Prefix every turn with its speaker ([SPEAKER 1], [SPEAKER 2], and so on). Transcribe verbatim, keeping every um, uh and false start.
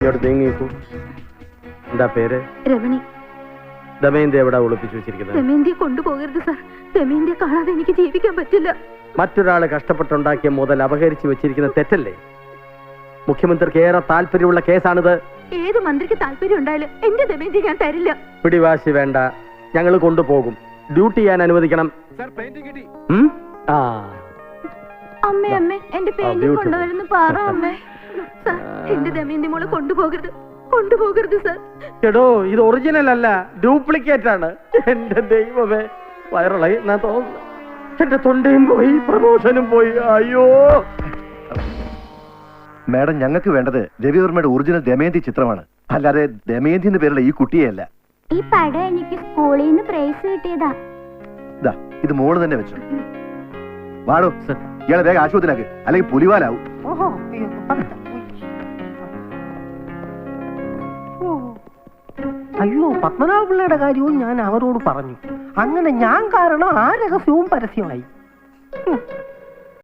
[SPEAKER 1] എന്താ പേര്?
[SPEAKER 2] രമണി.
[SPEAKER 1] ദമയന്തി എവിടെ ഒളിപ്പിച്ചു വെച്ചിരിക്കുന്നത്?
[SPEAKER 2] ദമയന്തിയെ കൊണ്ടുപോകരുത് സാർ. ദമയന്തിയെ കാണാതെ എനിക്ക് ജീവിക്കാൻ പറ്റില്ല.
[SPEAKER 1] മറ്റൊരാള് കഷ്ടപ്പെട്ടുണ്ടാക്കിയ മുതൽ അപഹരിച്ചു വെച്ചിരിക്കുന്ന തെറ്റല്ലേ? മുഖ്യമന്ത്രിക്ക് ഏറെ താല്പര്യമുള്ള കേസാണിത്.
[SPEAKER 2] ഏത് മന്ത്രിക്ക് താല്പര്യം ഉണ്ടായാലും എന്റെ ദമയന്തി ഞാൻ തരില്ല.
[SPEAKER 1] പിടിവാശി വേണ്ട, ഞങ്ങൾ കൊണ്ടുപോകും. ഡ്യൂട്ടി ചെയ്യാൻ അനുവദിക്കണം.
[SPEAKER 2] അമ്മേ അമ്മേ എന്റെ പെയിന്റിംഗ് കൊണ്ടുവരുന്നു പറ അമ്മേ. സാർ എന്റെ ദമയന്തി മോളെ കൊണ്ടുപോകരുത്, കൊണ്ടുപോകരുത് സാർ.
[SPEAKER 1] എടോ ഇത് ഒറിജിനൽ അല്ല, ഡ്യൂപ്ലിക്കേറ്റ് ആണ്. എന്റെ ദൈവമേ, വൈറലായി ഞാൻ തോന്നുന്നു. എന്റെ തൊണ്ടയും പോയി, പ്രമോഷനും പോയി. അയ്യോ
[SPEAKER 3] മാഡം, ഞങ്ങൾക്ക് വേണ്ടത് രവിവർമ്മയുടെ ഒറിജിനൽ ദമയന്തി ചിത്രമാണ്, അല്ലാതെ ദമയന്തി എന്ന പേരുള്ള ഈ കുട്ടിയെയല്ല.
[SPEAKER 2] ഈ പടം എനിക്ക് സ്കൂളിൽ നിന്ന് പ്രൈസ് കിട്ടിയതാ.
[SPEAKER 3] ഇത് മോള് തന്നെ വെച്ചു. വാടോ ഇയാളെ വേഗം ആശുപത്രിയിലാക്ക്, അല്ലെങ്കിൽ പുലിവാലാവും.
[SPEAKER 4] അയ്യോ, പത്മനാഭ പിള്ളയുടെ കാര്യവും ഞാൻ അവരോട് പറഞ്ഞു. അങ്ങനെ ഞാൻ കാരണം ആ രഹസ്യവും പരസ്യമായി.